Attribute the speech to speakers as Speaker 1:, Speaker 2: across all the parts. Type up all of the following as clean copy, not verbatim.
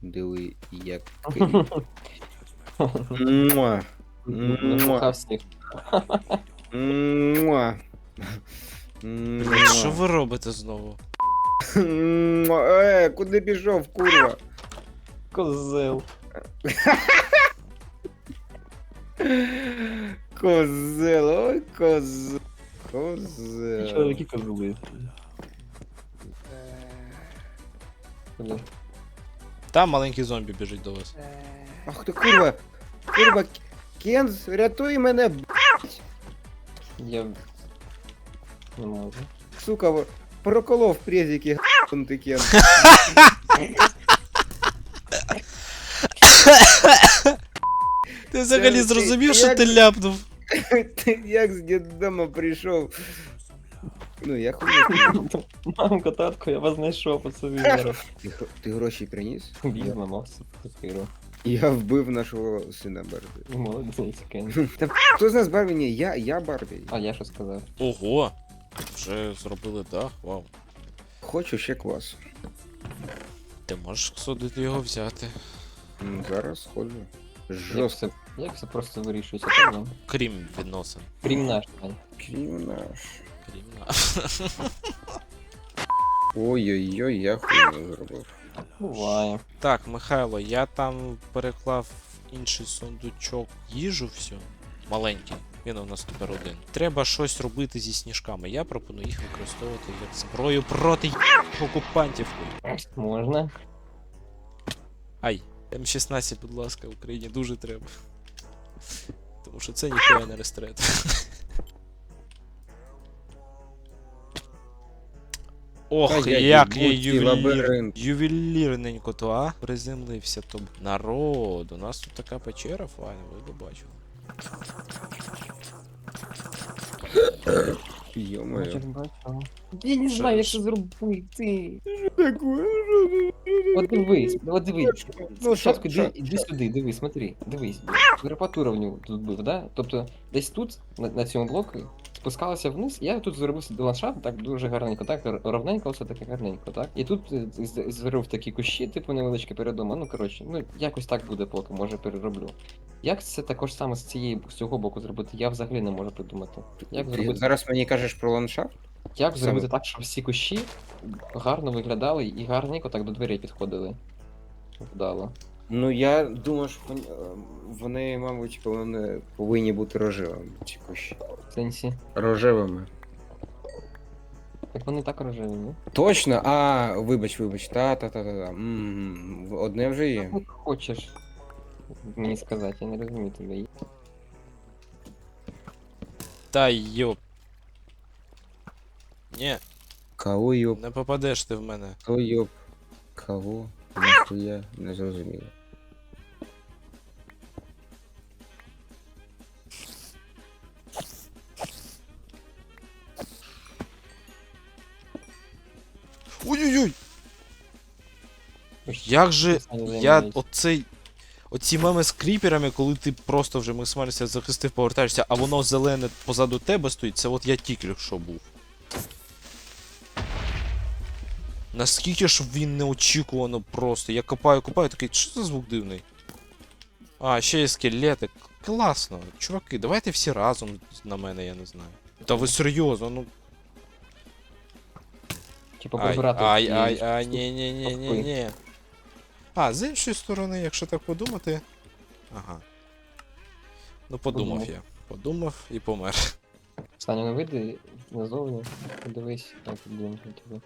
Speaker 1: Диви, як кріп. Муа.
Speaker 2: Напухав всіх.
Speaker 1: Муа.
Speaker 3: Блять, що ви робите знову?
Speaker 1: Куди пішов, курва?
Speaker 2: Козел.
Speaker 1: Козел, ой, козел. Козел.
Speaker 2: Чоловіки козли. Блін.
Speaker 3: Там маленький зомбі біжить до вас.
Speaker 1: Ах ти курва. Курва, Кенз, рятуй мене,
Speaker 2: Я не можу.
Speaker 1: сука, проколов презики, ти Кенз.
Speaker 3: Ти взагалі
Speaker 1: Ти-
Speaker 3: зрозумів,
Speaker 1: ти
Speaker 3: що
Speaker 1: як-
Speaker 3: ти ляпнув?
Speaker 1: Ти як з дитдому прийшов? Ну, я хуй.
Speaker 2: Мамко, татко, я вас знайшов по собі зараз.
Speaker 1: Ти гроші приніс?
Speaker 2: Візьмемо, мався папіру.
Speaker 1: Я вбив нашого сина Барбі.
Speaker 2: Молодець, Кен.
Speaker 1: Та хто з нас Барбі? Ні, я Барбі.
Speaker 2: А я що сказав?
Speaker 3: Ого! Вже зробили дах, вау.
Speaker 1: Хочу ще квасу.
Speaker 3: Ти можеш судити його взяти.
Speaker 1: Зараз сходжу.
Speaker 2: Як
Speaker 1: Жорстко.
Speaker 2: все просто вирішується, так, да?
Speaker 3: Крім відносин.
Speaker 2: Крім наш, Ань.
Speaker 1: Крім наш.
Speaker 3: Крім наш.
Speaker 1: Ой-ой-ой, я хуйню зробив.
Speaker 2: Буває.
Speaker 3: Так, Михайло, я там переклав в інший сундучок їжу всю. Маленький. Він у нас тепер один. Треба щось робити зі сніжками. Я пропоную їх використовувати як зброю проти окупантів.
Speaker 2: Можна.
Speaker 3: Ай, М16, будь ласка, Україні дуже треба. Тому що це ніхуя не рестрет. Ох,
Speaker 1: Та
Speaker 3: як я
Speaker 1: їбуть ці лабіринти.
Speaker 3: ювелірненько то, а? Приземлився то. Народ, у нас тут така печера файна, ви б бачили.
Speaker 1: Йо-моє.
Speaker 2: Я не
Speaker 3: Що-
Speaker 2: знаю, як це зробити.
Speaker 1: Таке?
Speaker 2: От дивись.
Speaker 1: Ну,
Speaker 2: Спочатку
Speaker 1: що?
Speaker 2: іди сюди, дивись, смотри, дивись. Верпатура в нього тут був, да? Тобто десь тут, на цьому блоку, спускалася вниз, я тут зробив ландшафт так дуже гарненько, так, ровненько, все таке гарненько, так? І тут зробив такі кущі, типу невеличкі перед домом, ну коротше, ну якось так буде поки, може перероблю. Як це також саме з цього боку зробити, я взагалі не можу придумати. Як
Speaker 1: Ти
Speaker 2: зробити,
Speaker 1: зараз мені кажеш про ландшафт?
Speaker 2: як зробити
Speaker 1: саме?
Speaker 2: так, щоб всі кущі гарно виглядали і гарненько так до дверей підходили? Вдало.
Speaker 1: Ну я думаю, що вони, мабуть, повинні бути рожевими, ці кущі.
Speaker 2: В сенсі.
Speaker 1: Рожевими.
Speaker 2: Так вони так рожеві, ні?
Speaker 1: Точно? А, вибач. Та. Одне вже є.
Speaker 2: Як хочеш мені сказати, я не розумію тебе.
Speaker 3: Та йоп. Ні,
Speaker 1: Кого йоп?
Speaker 3: не попадеш ти в мене.
Speaker 1: Хто йоп? Кого? Нахуя? Не зрозуміло.
Speaker 3: Ой-ой-ой! Як же оці меми з кріперами, коли ти просто вже максимально себе захистив, повертаєшся, а воно зелене позаду тебе стоїть, це от я тільки що був. Наскільки ж він неочікувано просто. Я копаю, такий, що за звук дивний? А, ще є скелети. Класно. Чуваки, давайте всі разом на мене, я не знаю. Та ви серйозно, ну.
Speaker 2: Типа
Speaker 3: Ай,
Speaker 2: прибирати.
Speaker 3: ай, ні. А, з іншої сторони, якщо так подумати. Ага. Ну подумав
Speaker 2: Подумав.
Speaker 3: я. Подумав і помер.
Speaker 2: Саня, не вийди назовні, подивись, як будемо тебе.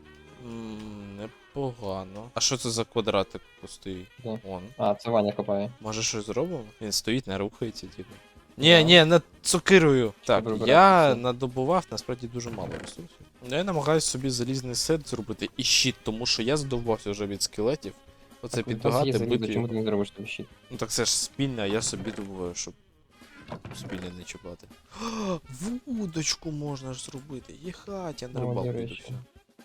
Speaker 3: Непогано. А що це за квадратик пустий?
Speaker 2: Де?
Speaker 3: Он.
Speaker 2: А, це Ваня копає.
Speaker 3: Може щось зробимо? Він стоїть, не рухається, типу.
Speaker 2: Да.
Speaker 3: Ні, над цукирою. Так,
Speaker 2: прибирати
Speaker 3: я
Speaker 2: все.
Speaker 3: надобував насправді дуже мало ресурсів. Я намагаюся собі залізний сет зробити і щит, тому що я задовбався вже від скелетів. Оце
Speaker 2: Так, у нас
Speaker 3: підбігати,
Speaker 2: є залізо,
Speaker 3: бити.
Speaker 2: чому ти не зробиш тобі щит?
Speaker 3: Ну так це ж спільне, а я собі думаю, щоб спільне не чіпати. Вудочку можна ж зробити. Їхать, я на
Speaker 2: О, до
Speaker 3: рибалку йду
Speaker 2: речі.
Speaker 3: все.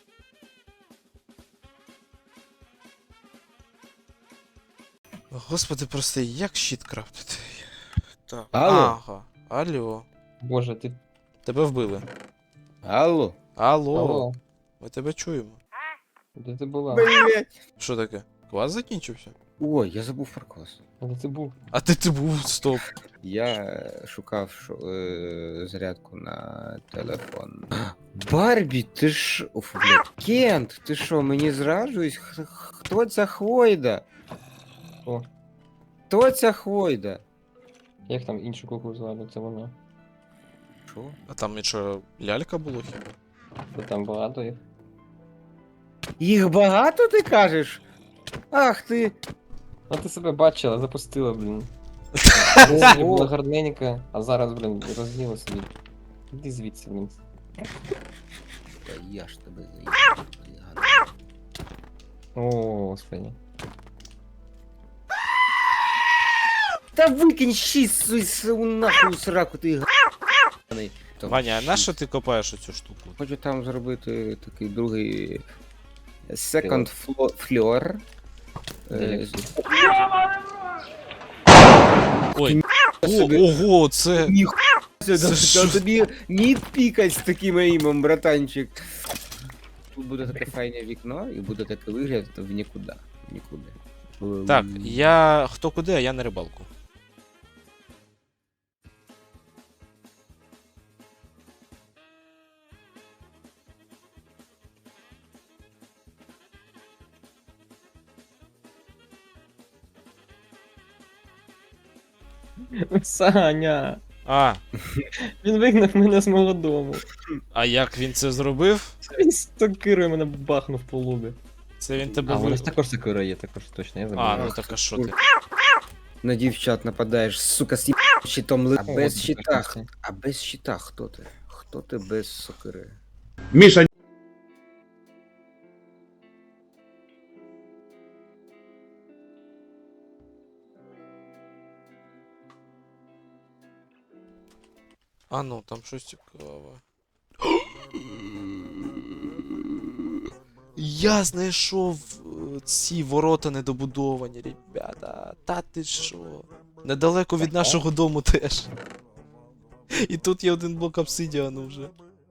Speaker 3: Господи, прости, як щит крафтити? Так.
Speaker 1: Алло?
Speaker 3: Ага. Алло.
Speaker 2: Боже, ти...
Speaker 3: Тебе вбили.
Speaker 1: Алло?
Speaker 3: Алло.
Speaker 2: Алло,
Speaker 3: Ми тебе чуємо.
Speaker 2: де ти була?
Speaker 1: Блять.
Speaker 3: Що таке? Квас закінчився?
Speaker 1: Ой, я забув про квас.
Speaker 2: Але це був.
Speaker 3: А ти був, стоп.
Speaker 1: Я шукав зарядку на телефон. Барбі, ти ж. Уф, блядь. Кент, ти що, мені зраджуєш? Хто ця хвойда?
Speaker 2: О,
Speaker 1: Хто ця хвойда?
Speaker 2: як там іншу куклу звали, це вона.
Speaker 1: Що?
Speaker 3: А там і що, лялька було хіба?
Speaker 2: Бо там багато їх.
Speaker 1: Їх багато, ти кажеш? Ах ти.
Speaker 2: А ти себе бачила, запустила, блін. Раніше була
Speaker 1: Ого.
Speaker 2: гарненька, а зараз, блін, розділа собі. Іди звідси, блін.
Speaker 1: Та я ж тебе заїбав.
Speaker 2: О, господи.
Speaker 1: Та викинь шість нахуй сраку, ти ганий.
Speaker 3: Ваня, а на що ти копаєш оцю штуку?
Speaker 1: Хочу там зробити такий другий second floor.
Speaker 2: Де?
Speaker 3: Ой,
Speaker 1: Собі.
Speaker 3: ого, це...
Speaker 1: Ніхуя
Speaker 3: Це
Speaker 1: себе,
Speaker 3: що?
Speaker 1: та тобі ні пікать з таким імом, братанчик. Тут буде таке файне вікно і буде такий вигляд в нікуди. Нікуди.
Speaker 3: Так, я... Хто куди, а я на рибалку.
Speaker 2: Саня!
Speaker 3: А,
Speaker 2: Він вигнав мене з мого дому.
Speaker 3: а як він це зробив?
Speaker 2: Він з сокирою мене бахнув по лобі.
Speaker 3: Це він тебе
Speaker 2: А, у
Speaker 3: ви...
Speaker 2: нас також сокира є, також точно, я забув.
Speaker 3: А, ну так а що ти?
Speaker 1: На дівчат нападаєш, сука, з щитом ли... А
Speaker 2: О,
Speaker 1: без
Speaker 2: от
Speaker 1: щита.
Speaker 2: прекрасно.
Speaker 1: А без щита хто ти? Хто ти без сокири?
Speaker 4: Миша,
Speaker 3: А ну, там щось цікаве. Я знайшов ці ворота недобудовані, ребята. Та ти що? Недалеко від нашого дому теж. І тут є один блок обсидіану вже.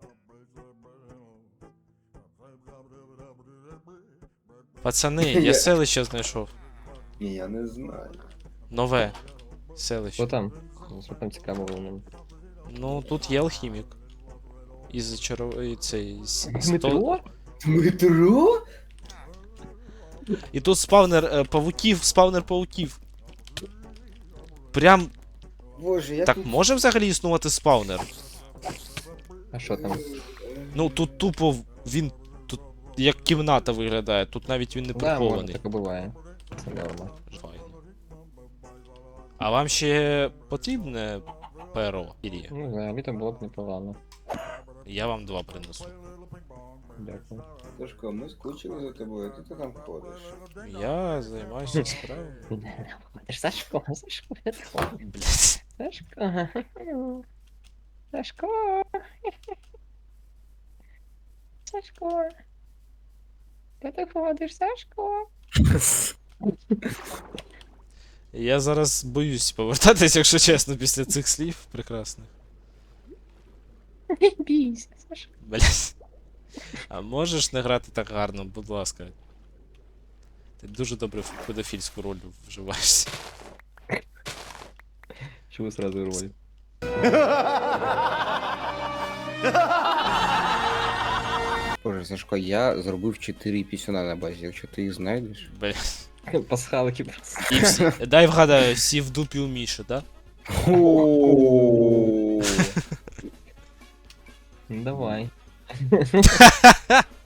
Speaker 3: Пацани, я селище знайшов.
Speaker 1: Ні, я не знаю.
Speaker 3: Нове
Speaker 2: Що
Speaker 3: селище.
Speaker 2: там? Що там цікаво було мені?
Speaker 3: Ну, тут є алхімік. Із і цей.
Speaker 2: Дмитро?
Speaker 1: Дмитро?
Speaker 3: І тут спавнер спавнер пауків. Прям.
Speaker 1: Боже, я
Speaker 3: Так
Speaker 1: тут...
Speaker 3: може взагалі існувати спавнер?
Speaker 2: А що там?
Speaker 3: Ну тут тупо він тут як кімната виглядає, тут навіть він не
Speaker 2: Да, може,
Speaker 3: прихований.
Speaker 2: таке буває. Це норма.
Speaker 3: Файно. А вам ще потрібне перо? Ірі?
Speaker 2: Ну, взагалі там було б непогано.
Speaker 3: Я вам 2 принесу.
Speaker 2: Дякую.
Speaker 1: Сашко, ми скучили за тобою, ти там ходиш.
Speaker 3: Я займаюся справами.
Speaker 2: Ти ж Сашко, Сашко,
Speaker 3: Блять.
Speaker 2: Сашко. Сашко. Сашко. Де ти ходиш, Сашко?
Speaker 3: Я зараз боюсь повертатись, якщо чесно, після цих слів прекрасних.
Speaker 2: Не бійся, Сашко.
Speaker 3: Блять. А можеш не грати так гарно, будь ласка. Ти дуже добре в педофільську роль вживаєшся.
Speaker 2: Чего сразу роль?
Speaker 1: Боже, Сашко, я зробив 4 пісюна на базі, якщо ти їх знайдеш.
Speaker 3: Блять.
Speaker 2: Пасхалки просто.
Speaker 3: І всі... Дай вгадаю, всі в дупі у Міші, да?
Speaker 2: Давай.